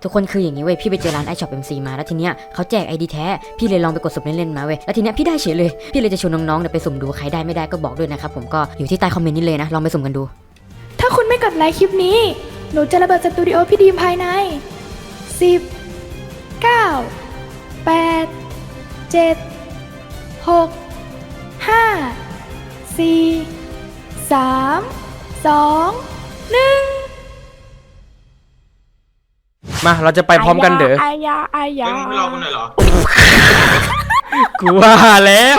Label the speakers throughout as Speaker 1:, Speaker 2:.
Speaker 1: ทุกคนคืออย่างนี้เว้ยพี่ไปเจอร้าน iShop MC มาแล้วทีเนี้ยเขาแจก ID แท้พี่เลยลองไปกดสุ่มเล่นๆมาเว้ยแล้วทีเนี้ยพี่ได้เฉยเลยพี่เลยจะชวนน้องๆเนี่ยไปสุ่มดูใครได้ไม่ได้ก็บอกด้วยนะครับผมก็อยู่ที่ใต้คอมเมนต์นี้เลยนะลองไปสุ่มกันดู
Speaker 2: ถ้าคุณไม่กดไลค์คลิปนี้หนูจะระเบิดสตูดิโอพี่ดีมภายใน10 9 8 7 6 5 4 3 2 1
Speaker 3: มาเราจะไปพร้อมกันเด้อ
Speaker 2: อายา
Speaker 4: ไม่รอคุณหน่อยเหรอ
Speaker 3: กูว่าแล้ว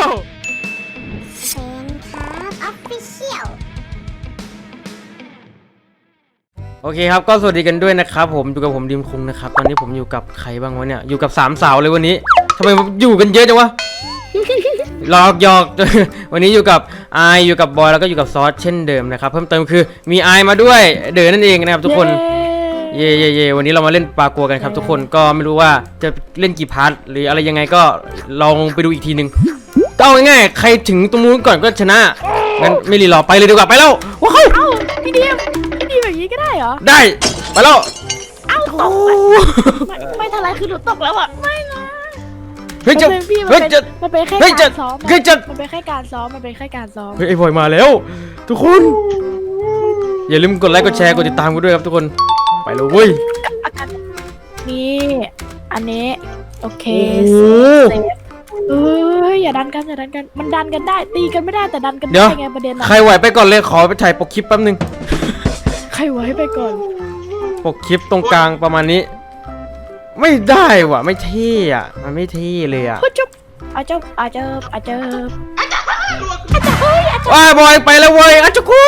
Speaker 3: โอเคครับก็สวัสดีกันด้วยนะครับผมอยู่กับผมดิมคุงนะครับตอนนี้ผมอยู่กับใครบ้างวะเนี่ยอยู่กับ3 สาวเลยวันนี้ทำไมอยู่กันเยอะจังวะหยอก วันนี้อยู่กับไออยู่กับบอยแล้วก็อยู่กับซอสเช่นเดิมนะครับเพิ่มเติมคือมีไอมาด้วยเด๋อนั่นเองนะครับทุกคนเย่วันนี้เรามาเล่นปลากัวกันครับทุกคนก็ไม่รู้ว่าจะเล่นกี่พาร์ทหรืออะไรยังไงก็ลองไปดูอีกทีนึงก็เอาง่ายๆใครถึงตรงนู้นก่อนก็ชนะงั้นไม่รีรอไปเลยดีกว่าไปแล้วว้าว
Speaker 2: พี่ดีมแบบนี้ก็ได้เหรอ
Speaker 3: ได้ไปแล้ว
Speaker 2: ตกไม่ทันไรคือหนูตกแล้วอ่ะไม่นะ
Speaker 3: เฮ้ยจะ
Speaker 2: มันเป็นแค่การซ้อมมันเป็นแค่การซ้อม
Speaker 3: เฮ้ยไอ้บอยมาแล้วทุกคนอย่าลืมกดไลค์กดแชร์กดติดตามกันด้วยครับทุกคนไปเลยเว้ย
Speaker 2: นี่อันนี้โอเคอย่าดันกันมันดันกันได้ตีกันไม่ได้แต่ดันกันได้ไงประเด็น
Speaker 3: ใครไหวไปก่อนเลยขอไปถ่ายปกคลิปแป๊บนึง
Speaker 2: ใครไหวไปก่อน
Speaker 3: ปกคลิปตรงกลางประมาณนี้ไม่ได้ว่ะไม่เท่อะมันไม่เท่เลยอะว้าบอยไปแล้วเว้ยอาจจะกู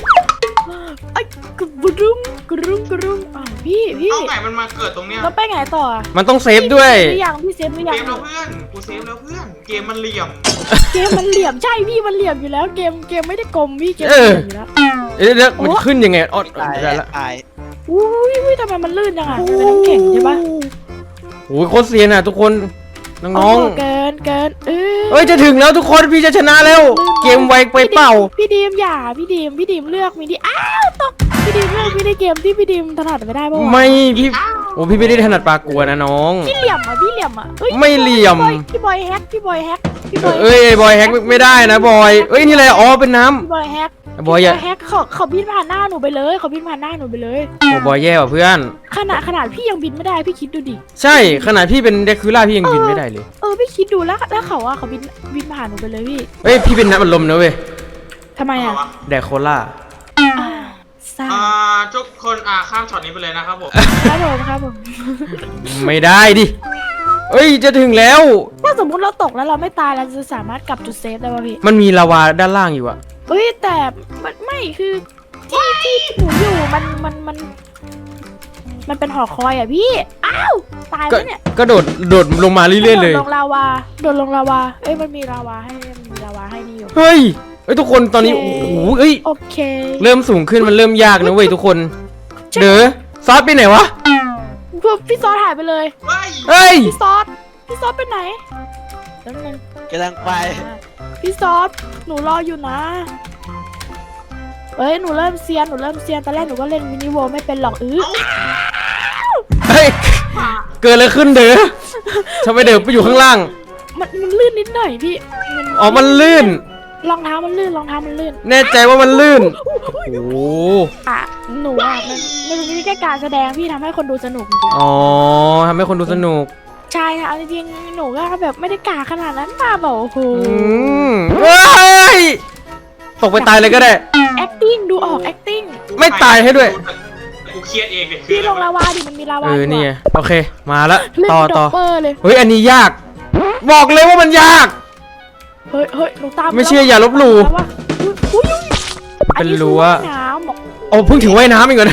Speaker 2: กรุงพี่
Speaker 4: เอาไงมันมาเกิดตรงเนี้ย
Speaker 2: แล้วไปไงต่อ
Speaker 3: มันต้องเซฟด้วย
Speaker 2: พี่เซฟหรือยัง
Speaker 4: เซฟแล้วเพื่อนกูเซฟแล้วเพื่อนเกมมันเหลี่ยม
Speaker 2: ใช่พี่มันเหลี่ยมอยู่แล้วเกมไม่ได้กลมพี่เกมอยู่แล้ว
Speaker 3: เดี๋ยวมันขึ้นยังไงอ๋อได้ละ
Speaker 2: อุ้ยทำไมมันลื่นจังอะเป็นน้ำแข็งใช่ปะ
Speaker 3: โอ้ยโคตรเซียนอะทุกคนน้อง
Speaker 2: เกิน
Speaker 3: เอ้ยจะถึงแล้วทุกคนพี่จะชนะแล้วเกมไวไปเปล่า
Speaker 2: พี่ดีมอย่าพี่ดีมเลือกมินิอ้าวตกพี่ดีมเลือกมินิเกมที่พี่ดีมถนัดไม่ได้ป่ะ
Speaker 3: ไม่พี่โอ้พี่ไม่ได้ถนัดปลากัวนะน้อง
Speaker 2: พี่เหลี่ยม
Speaker 3: ไม่เหลี่ยม
Speaker 2: พี่บอยแฮก
Speaker 3: เอ้ยบอยแฮกไม่ได้นะบอยเอ้ยนี่อะไรอ๋อเป็นน้ำ
Speaker 2: พี่บอยแฮก
Speaker 3: บอย
Speaker 2: แฮกเขาบินผ่านหน้าหนูไปเลยโ
Speaker 3: อ้บอยแย่ว่ะเพื่อน
Speaker 2: ขนาดพี่ยังบินไม่ได้พี่คิดดูดิ
Speaker 3: ใช่ขนาดพี่เป็นเดคูล่าพี่ยังบินไม่ได้เลย
Speaker 2: พี่คิดดูแล้วเขาบินผ่านหนูไปเลยพี่
Speaker 3: เฮ้ยพี่เป็นน้ำอัดลมนะเว้ย
Speaker 2: ทำไมอะ
Speaker 3: แดกโคล่า
Speaker 4: ทุกคนข้ามช็อตนี้ไปเลยนะครับผม
Speaker 2: ครับผม
Speaker 3: ไม่ได้ดิเอ้ยจะถึงแล้ว
Speaker 2: ถ้าสมมุติเราตกแล้วเราไม่ตายเราจะสามารถกลับจุดเซฟได้ป่ะพี่
Speaker 3: มันมีลาวาด้านล่างอยู่อะ
Speaker 2: แต่ไม่คือที่หนูอยู่มันเป็นหอคอยอะพี่อ้าวตายแล้วเนี่ย
Speaker 3: ก็โดดลงมาเรื่อยๆเลย
Speaker 2: โดดลงลาวามันมีลาวาให้นี่อยู่
Speaker 3: เฮ้ยทุกคนตอนนี้โอ้โห
Speaker 2: โอเค
Speaker 3: เริ่มสูงขึ้นมันเริ่มยากนะเว้ยทุกคนเด้อซอสไปไหนวะ
Speaker 2: พี่ซอสหายไปเลย
Speaker 3: เฮ้ย
Speaker 2: พี่ซอสไปไหน
Speaker 5: กำลังไป
Speaker 2: พี่ซอสหนูรออยู่นะหนูเริ่มเซียนตอนแรกหนูก็เล่นมินิโวไม่เป็นหรอก
Speaker 3: เฮ้ยเกิดอะไรขึ้นเด้อทำไมเด้อไปอยู่ข้างล่าง
Speaker 2: มันลื่นนิดหน่อยพี่
Speaker 3: มันลื่น
Speaker 2: รองเท้ามันลื่น
Speaker 3: แน่ใจว่ามันลื่นโอ้
Speaker 2: หนูมันมีแค่การแสดงพี่ทำให้คนดูสนุก
Speaker 3: ทำให้คนดูสนุก
Speaker 2: ใช่ค่ะจริงๆหนูก็แบบไม่ได้กาขนาดนั้นมาแบบโอ้โห
Speaker 3: ตกไปตายเลยก็ได้
Speaker 2: acting ดูออก acting
Speaker 3: ไม่ตายให้ด้วย
Speaker 4: กูเครียดเองเลย
Speaker 2: พี่ลงลาวาดิมันมีลาวา
Speaker 3: นี่โอเคมาแล้วต่อ
Speaker 2: เฮ้
Speaker 3: ยอันนี้ยากบอกเลยว่ามันยาก
Speaker 2: เฮ้ยหนูตาม
Speaker 3: ไม่เชื่ออย่าลบหลู่เป็นรั้วเพิ่งถึงว่ายน้ำอีกเหรอ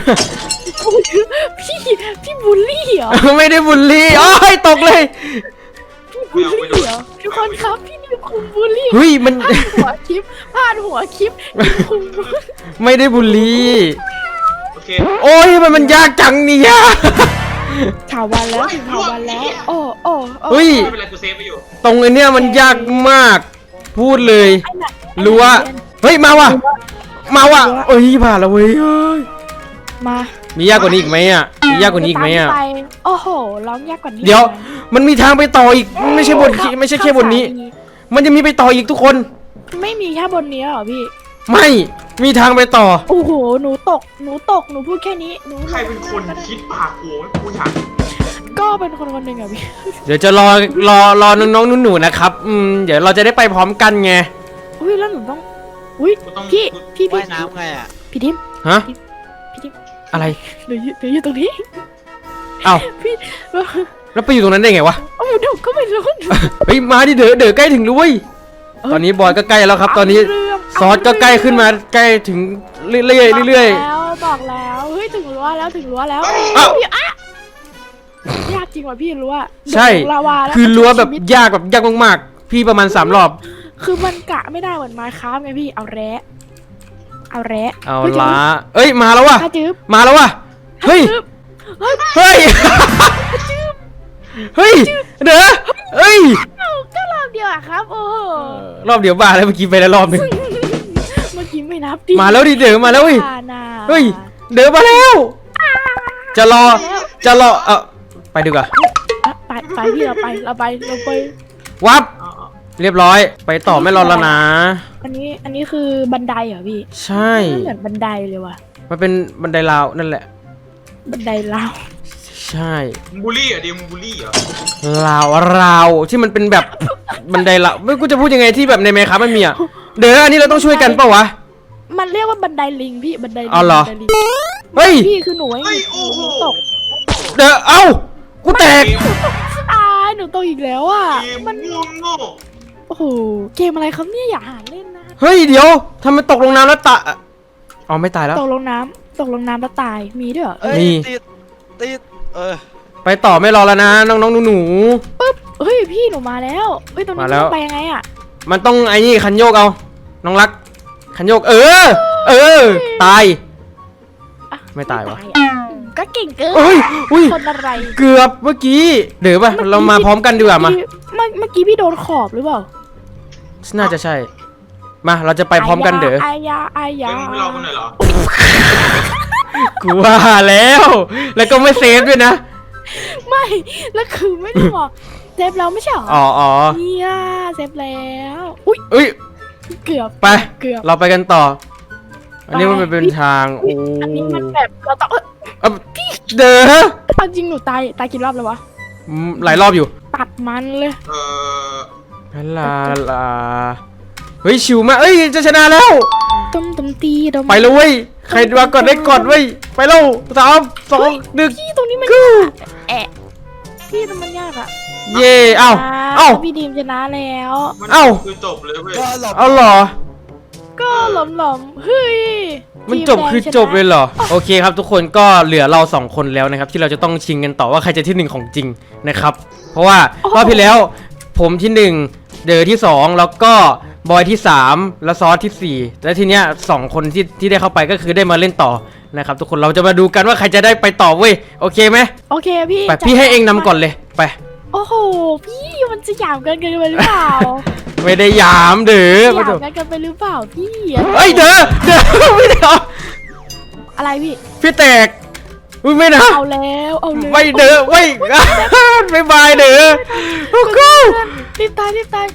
Speaker 2: พี่บูลลี่เหรอ
Speaker 3: ไม่ได้บูลลี่ตกเลย
Speaker 2: บูลลี่เหรอทุกคนครับพี่นี่คุมบูลลี่
Speaker 3: เฮ้ยมัน
Speaker 2: พาดหัวคลิป
Speaker 3: ไม่ได้บูลลี่โอ้ยมันยากจังเนี่ย
Speaker 2: ถาวรแล้ว
Speaker 3: เฮ้ยตรงไอ้เนี่ยมันยากมากพูดเลยรู้ว่าเฮ้ยมาว่ะเอ้ยผ่านแล้วเว้ย
Speaker 2: มา
Speaker 3: มียากกว่านี้อีกไหมอ่ะมียากกว่านี้อีกไหมอ่ะ
Speaker 2: ตาไปโอ้โหร้องยากกว่านี้
Speaker 3: เดี๋ยวมันมีทางไปต่ออีกไม่ใช่บนไม่ใช่แค่บนนี้ มันจะมีไปต่ออีกทุกคน
Speaker 2: ไม่มีแค่บนนี้เหรอพี่
Speaker 3: ไม่มีทางไปต่อ
Speaker 2: โอ้โหหนูตกหนูพูดแค่นี้หนู
Speaker 4: ใครเป็นคนคิดปากกูกูอยาก
Speaker 2: ก็เป็นคนคนหนึ่งอะพี่
Speaker 3: เดี๋ยวจะรอน้องๆหนูๆนะครับเดี๋ยวเราจะได้ไปพร้อมกันไง
Speaker 2: อุ้ยแล้วหนูต้องอุ้ยพี่
Speaker 5: ว่ายน้ำไงอ่ะ
Speaker 2: พี่ดิม
Speaker 3: ฮะ
Speaker 2: พี่ดิม
Speaker 3: อะไร
Speaker 2: หนูอยู่ตรงนี้
Speaker 3: เอ้า
Speaker 2: พี่
Speaker 3: แล้วไปอยู่ตรงนั้นได้ไงวะ
Speaker 2: โอ้เดี๋ยวก็ไม่รู้
Speaker 3: เฮ้ยมาดิเด๋อใกล้ถึงแล้วเว้ยตอนนี้บอยก็ใกล้แล้วครับ ตอนนี้ซอสก็ใกล้ขึ้นมาใกล้ถึงเรื่อยๆเรื่อย
Speaker 2: บอกแล้วเฮ้ยถึงรั้วแล้วพี่อะยากจริงว่ะพี่รั้ว
Speaker 3: ๆใช่
Speaker 2: ลาวาแล้ว
Speaker 3: คือรั้วแบบยากมากๆพี่ประมาณ3 รอบ
Speaker 2: คือมันกะไม่ได้เหมือนมาค้าไงพี่เอาแระ
Speaker 3: เอาละเอ้ยมาแล้วว่ะ
Speaker 2: ถ้าจืบ
Speaker 3: มาแล้วว่ะเฮ้ยเฮ้ยเฮ้ยเด้อเฮ้ย
Speaker 2: ก็รอบเดียวอะครับโอ้โห
Speaker 3: รอบเดียวบ้าแล้วเมื่อกี้ไปแล้วรอบนึง
Speaker 2: เมื่อกี้ไม่นับดิ
Speaker 3: มาแล้วดิเด๋อมาแล้วเว้ย
Speaker 2: น่ะ
Speaker 3: เฮ้ยเด๋อมาแล้วจะรอไปดีกว่า
Speaker 2: ไปพี่เราไป
Speaker 3: วับเรียบร้อยไปต่อไม่รอแล้วนะ
Speaker 2: อันนี้คือบันไดเหรอพี่
Speaker 3: ใช่
Speaker 2: มันเหมือนบันไดเลยว่ะ
Speaker 3: มันเป็นบันไดราวนั่นแหละ
Speaker 2: บันไดลาว
Speaker 3: ใช่
Speaker 4: มึงบูลลี่เหรอเดียวมึงบูลลี่เหรอ
Speaker 3: ราวที่มันเป็นแบบบันไดราวไม่กูจะพูดยังไงที่แบบในเมคาไม่มีอ่ะเดี๋ยวอันนี้เราต้องช่วยกันเปล่าวะ
Speaker 2: มันเรียกว่าบันไดลิงพี่บันไดลิง
Speaker 3: อ๋อเหรอ
Speaker 2: บันไดลิง
Speaker 3: เฮ้ย
Speaker 2: พี่คือหนูไอ้
Speaker 4: เฮ้ย
Speaker 2: ห
Speaker 4: โอ้โห
Speaker 2: นูตก
Speaker 3: เดี๋ยวเอ้ากูแตก
Speaker 2: หนูตกอีกแล้วอ่ะ
Speaker 4: เกม
Speaker 2: มัน
Speaker 4: โง่
Speaker 2: โอ้โหเกมอะไรครับเนี่ยอย่าหาเล่นนะ
Speaker 3: เฮ้ยเดี๋ยวทำไมตกลงน้ำแล้วอ๋อไม่ตายแล้ว
Speaker 2: ตกลงน้ำแล้วตายมีด้วยเหรอ
Speaker 5: เอ้ย
Speaker 3: นี่
Speaker 5: ติด
Speaker 3: ไปต่อไม่รอแล้วนะน้องๆหนู
Speaker 2: ปึ๊บเฮ้ยพี่หนูมาแล้วเฮ้ยตรงนี้
Speaker 3: มาแล้ว
Speaker 2: ไปยังไงอ่ะ
Speaker 3: ๆมันต้องไอ้นี่คันโยกเอาน้องรักคันโยกตาย
Speaker 2: อ่ะ
Speaker 3: ไม่ตายวะ
Speaker 2: อ่ก็เก่งเกิน
Speaker 3: เอ้ยอุ้ย
Speaker 2: คนอะไร
Speaker 3: เกือบเมื่อกี้เดี๋ยวป่ะเรามาพร้อมกันดีกว่ามา
Speaker 2: เมื่อกี้พี่โดนขอบหรือเปล่า
Speaker 3: น่าจะใช่มาเราจะไปพร้อมกันเด้อ
Speaker 2: อายา
Speaker 4: ๆเดี๋ยวมึงไม่รอกูหน่อยเหรอ
Speaker 3: กูว่าแล้วก็ไม่เซฟด้วยนะ
Speaker 2: ไม่แล้วคือไม่ได้บอกเซฟแล้วไม่ใช่เหรอ
Speaker 3: อ๋อ
Speaker 2: เนี่ยเซฟแล้วอุ้ย
Speaker 3: เอ้ย
Speaker 2: เกือบ
Speaker 3: ไป
Speaker 2: เกือบ
Speaker 3: เราไปกันต่อ อันนี้มันเป็นทางโอ้
Speaker 2: อันนี้มันแบบเราต้อง
Speaker 3: เด้อ
Speaker 2: เอาจริงหนูตายกี่รอบแล้ววะ
Speaker 3: หลายรอบอยู่
Speaker 2: ตัดมันเลย
Speaker 3: ลาเฮ้ยชิวมากเอ้ยจะชนะแล้ว
Speaker 2: ต้มตีดม
Speaker 3: ไปเลยเว้ยใครมาก่อนได้ก่อนเว้ยไปแล้ว3 2 1
Speaker 2: พี่ตรงนี้มันแอะพี่ตรงมันยากอะ
Speaker 3: เย่เอ้า
Speaker 2: พี่ดีมชนะแล้ว
Speaker 4: มัน
Speaker 3: เอ้า
Speaker 4: คือจบเลยเว้ย
Speaker 5: ก็หลบ
Speaker 3: เอาเหรอ
Speaker 2: ก็หลอมเฮ้ย
Speaker 3: มันจบคือจบเลยเหรอโอเคครับทุกคนก็เหลือเรา2 คนแล้วนะครับที่เราจะต้องชิงกันต่อว่าใครจะที่1ของจริงนะครับเพราะว่ารอบที่แล้วผมที่1เดอที่2แล้วก็บอยที่3แล้วซอสที่4และทีเนี้ย2 คนที่ได้เข้าไปก็คือได้มาเล่นต่อนะครับทุกคนเราจะมาดูกันว่าใครจะได้ไปต่อเว้ยโอเคไหม
Speaker 2: โอเคพี่
Speaker 3: ไปพี่ให้เองนำก่อนเลยไป
Speaker 2: โอ้โหพี่มันจะหยามกันไปหรือเปล่า
Speaker 3: ไม่ได้ยามเด้อ
Speaker 2: หยามกันไปหรือเปล่าพี่
Speaker 3: เฮ้ยเด้อไม่ได้เอา
Speaker 2: อะไรพี่
Speaker 3: พี่แตกอุ๊ยไม่นะ
Speaker 2: เอาแล้ว
Speaker 3: ไม่เด้อไม่ไม่บายเด้อโอ้โห
Speaker 2: รีบตายไปเอ้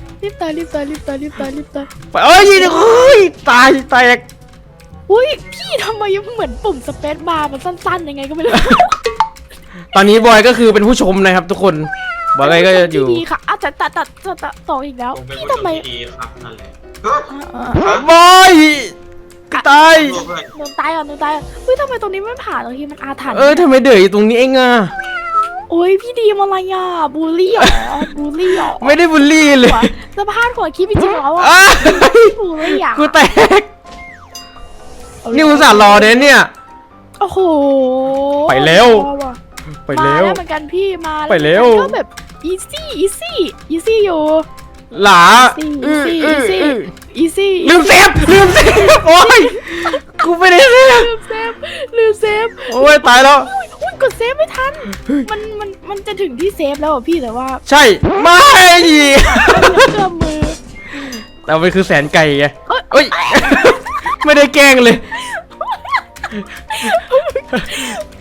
Speaker 3: ยตายแตก
Speaker 2: อุ้ยพี่ทำไมเหมือนปุ่มสเปซบาร์มันสั้นๆยังไงก็ไม่รู้
Speaker 3: ตอนนี้บอยก็คือเป็นผู้ชมนะครับทุกคนบอยก็จะอยู่
Speaker 2: ดีค่ะอาจจะตัดต่ออีกแล้ว
Speaker 4: ผมเป็น
Speaker 2: พี่
Speaker 4: ผู้ช
Speaker 2: ทำไม
Speaker 4: มที่ดีครับนั่นแหละ
Speaker 3: บอยตาย
Speaker 2: หนูตายก่อนเฮ้ยทำไมตรงนี้ไม่ผ่านตรงที่มันอาถรรพ์
Speaker 3: ทำไมเดือดอยู่ตรงนี้เองอ่ะ
Speaker 2: โอ้ยพี่ดีมอะไรอ่ะบูลลี่เหรอ
Speaker 3: ไม่ได้บูลลี่เลย
Speaker 2: สภาพหัวคิดจริงๆแล้วอ่ะ
Speaker 3: อ้า
Speaker 2: บูลลี่อ่ะ
Speaker 3: กูแตกนี่อุตส่าห์รอเนี่ย
Speaker 2: โอ้โห
Speaker 3: ไปแล้ว ไป
Speaker 2: มา
Speaker 3: แล้
Speaker 2: แล้ว วเหมือนกันพี่มา
Speaker 3: ไปแล้ว
Speaker 2: ก็แบบอีซี่อยู่
Speaker 3: หลา
Speaker 2: อีซี่
Speaker 3: ลืมเซฟโอ้ยกูไม่ได้เซฟ
Speaker 2: ลืมเซฟ
Speaker 3: โอ้ยตายแล้ว
Speaker 2: อุ้ยกดเซฟไม่ทันมันจะถึงที่เซฟแล้วอ่ะพี่แต่ว่า
Speaker 3: ใช่ไม่
Speaker 2: เกือบมือ
Speaker 3: แต่มันคือแสนไก่ไงเอ้ยไม่ได้แกล้งเลย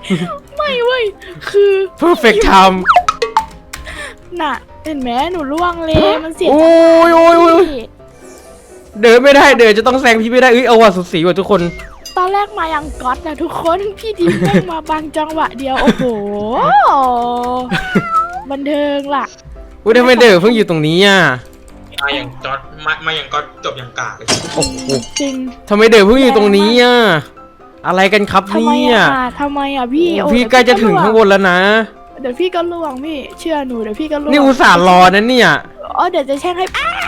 Speaker 2: ไม่เว้ยคือ
Speaker 3: perfect time
Speaker 2: น่ะเห็นไหมหนูล่วงเลยมันเสีย
Speaker 3: โอ้
Speaker 2: จัง
Speaker 3: ยโอ้ยโอ้ย
Speaker 2: พี่
Speaker 3: เดินไม่ได้เดินจะต้องแซงพี่ไม่ได้เอาว่ะสุดสีว่ะทุกคน
Speaker 2: ตอนแรกมายังก๊อตนะทุกคนพี่ดีแม่งมาบางจังหวะเดียวโอ้โหบันเทิงล่ะ
Speaker 3: อุ้ยทำไมเดินเพิ่งอยู่ตรงนี้อ่ะ
Speaker 4: มาอย่างจอดมาอย่างก็จบอย่างกากเลย
Speaker 3: โอ้โห
Speaker 2: จริง
Speaker 3: ทำไมเดินเพิ่งอยู่ตรงนี้อ่ะอะไรกันครับ
Speaker 2: ทำไม
Speaker 3: เนี่ย
Speaker 2: ทำไมพี่โอ้
Speaker 3: พี่ใกล้จะถึงข้างบนแล้วนะ
Speaker 2: เดี๋ยวพี่ก็ล่วงพี่เชื่อหนูเดี๋ยวพี่ก็ล่วง
Speaker 3: นี่อุตส่าห์รอนะเนี่ย
Speaker 2: อ๋อเดี๋ยวจะแช่งให้อ้าว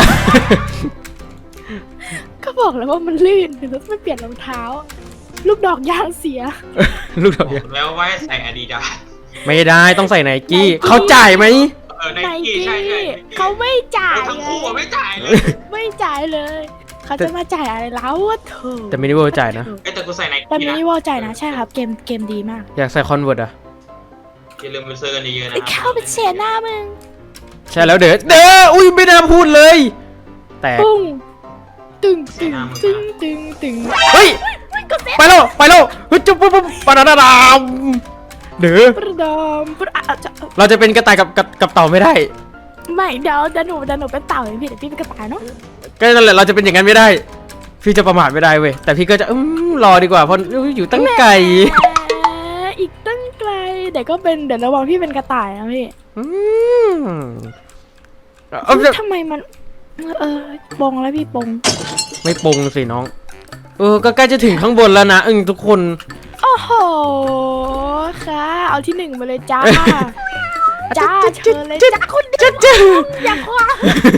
Speaker 2: ก็บอกแล้วว่ามันลื่นเดี๋ยวไม่เปลี่ยนรองเท้า ลูกดอกยางเสีย
Speaker 3: ลูกดอก
Speaker 4: บ
Speaker 3: ยา
Speaker 4: อกแล้วว่าให้ใส่อาดิดาส
Speaker 3: ไม่ได้ต้องใส่ไนกี้เขาจ่ายไหม
Speaker 4: ไน
Speaker 2: ไน
Speaker 4: กี้
Speaker 2: กี้
Speaker 4: ใช่ใช่
Speaker 2: เขาไม่จ่าย
Speaker 4: ทั้งคู่อะไม่จ่ายเลย
Speaker 2: ไม่จ่ายเลย เขาจะมาจ่ายอะไรแล้ววะเธอ
Speaker 3: แต่มินิเวิร์จ่ายนะ
Speaker 4: แต่กูใส่ไน
Speaker 2: แต่
Speaker 4: กี้
Speaker 2: ไม่
Speaker 4: นะ
Speaker 2: ได้ว่าจ่ายนะใช่ครับเกมดีมาก
Speaker 3: อยากใส่คอนเวิร์ตอ่ะ
Speaker 4: อย่าลืมไปซื้อกันเยอะๆนะ
Speaker 2: ไอ้เข้าไปเสียหน้ามึง
Speaker 3: ใช่แล้วเด้ออุ้ยไม่น่าพูดเลย แต่
Speaker 2: ปุ้งตึงตึงตึงตึงตึง
Speaker 3: เฮ้ยไปแล้วเฮ้ยจุ๊บปุ๊บปะดาดามเด้อ
Speaker 2: ประดอมประอ่ะจะ
Speaker 3: เราจะเป็นกระต่ายกับเต่าไม่ได้
Speaker 2: ไม่เดี๋ยวหนูเป็นเต่าอย่างพี่เดี๋ยวพี่เป็นกระต่ายเนาะ
Speaker 3: ก็นั่นแหละเราจะเป็นอย่างนั้นไม่ได้ พี่จะประมาทไม่ได้เว้ยแต่พี่ก็จะรอดีกว่าเพราะอยู่ตั้งไกล
Speaker 2: อีกตั้งไกลเดี๋ยวก็เป็นเดี๋ยวระวังพี่เป็นกระต่ายนะพี่
Speaker 3: อืมเอาจะ
Speaker 2: ทำไมมันปงแล้วพี่ปง
Speaker 3: ไม่ปงสิน้องก็ใกล้จะถึงข้างบนแล้วนะทุกคน
Speaker 2: โอ้โหค่ะเอาที่หนึ่งมาเลยจ้าจ้าเชิญเลยจ้าคุณเดียวอยากว่า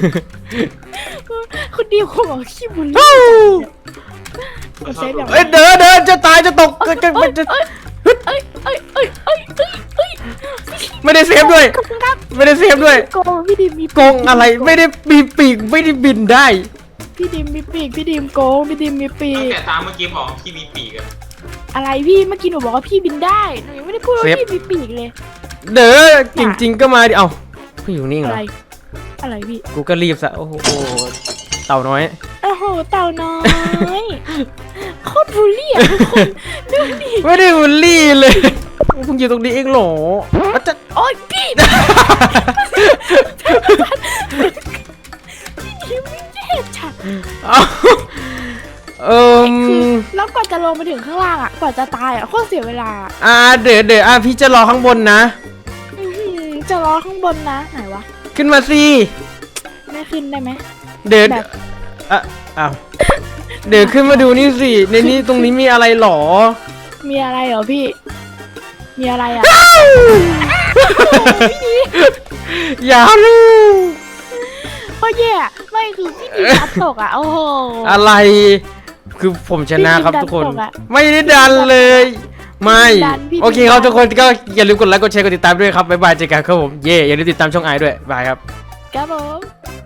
Speaker 2: คุณเดียวคงบอกขี้บุญเลยมันเซฟอย่าง
Speaker 3: เอ้ยเดินจะตายจะตกจะ
Speaker 2: เอ้ย
Speaker 3: ไม่ได้เซฟด้วย
Speaker 2: ขอบคุณครับ
Speaker 3: ไม่ได้เซฟด้วย
Speaker 2: โกงพี่ดิมมี
Speaker 3: โกงอะไรไม่ได้มีปีกไม่ได้บินได้
Speaker 2: พี่ดิมมีปีกพี่ดิมโกงพี่ดิมมีปี
Speaker 4: ตั้ง
Speaker 2: ก
Speaker 4: แต่ตามเมื่อกี้บอกพี่มีปีกอะ
Speaker 2: อะไรพี่เมื่อกี้หนูบอกว่าพี่บินได้หนูยังไม่ได้พูดว่าพี่มีปีกเลย
Speaker 3: เด้อจริงๆก็มาดิเอ้าพี่อยู่นิ่งเหร
Speaker 2: อะ
Speaker 3: อ
Speaker 2: ไรอะไรพี่
Speaker 3: กูก็รีบซะโอ้โหเต่าน้อย
Speaker 2: โอ้โหเต่าน้อยโคตรบูลลี่อ่ะทุกคนดูดิ
Speaker 3: ไม่ได้บูลลี่เลยเพิ่งอยู่ตรงนี้เองเหรอจะ
Speaker 2: โอ๊ยพี่พี่ไม่แย่ฉัน
Speaker 3: เอา
Speaker 2: คือแล้วกว่าจะลงไปถึงข้างล่างอ่ะกว่าจะตายอ่ะโคตรเสียเวลา
Speaker 3: เดี๋ยวพี่จะรอข้างบนนะ
Speaker 2: จะรอข้างบนนะไหนวะ
Speaker 3: ขึ้นมาสิ
Speaker 2: ไม่ขึ้นได้ไหม
Speaker 3: เดี๋ยว
Speaker 2: แบบ
Speaker 3: อ้าวเดี๋ยวขึ้นมาดูนี่สิในนี้ตรงนี้มีอะไรหรอ
Speaker 2: มีอะไรเหรอพี่ มีอะไรอ่ะ
Speaker 3: อย่าลูก
Speaker 2: พ่อแย่ไม่คือพี่ดีดันตกอ่ะโอ้โห
Speaker 3: อะไร คือผมชนะครับ
Speaker 2: พี่
Speaker 3: ทุกคน
Speaker 2: ดันตกอะ
Speaker 3: ไม่ได้ดันเลย ไม่
Speaker 2: ดันพี่
Speaker 3: โอเคครับ
Speaker 2: ดัน
Speaker 3: ทุกคนก็อย่าลืมกดไลค์กดแชร์กดติดตามด้วยครับบ๊ายบายเจอกันครับผมเย่อย่าลืมติดตามช่องไอด้วยบายครับ
Speaker 2: ครับผม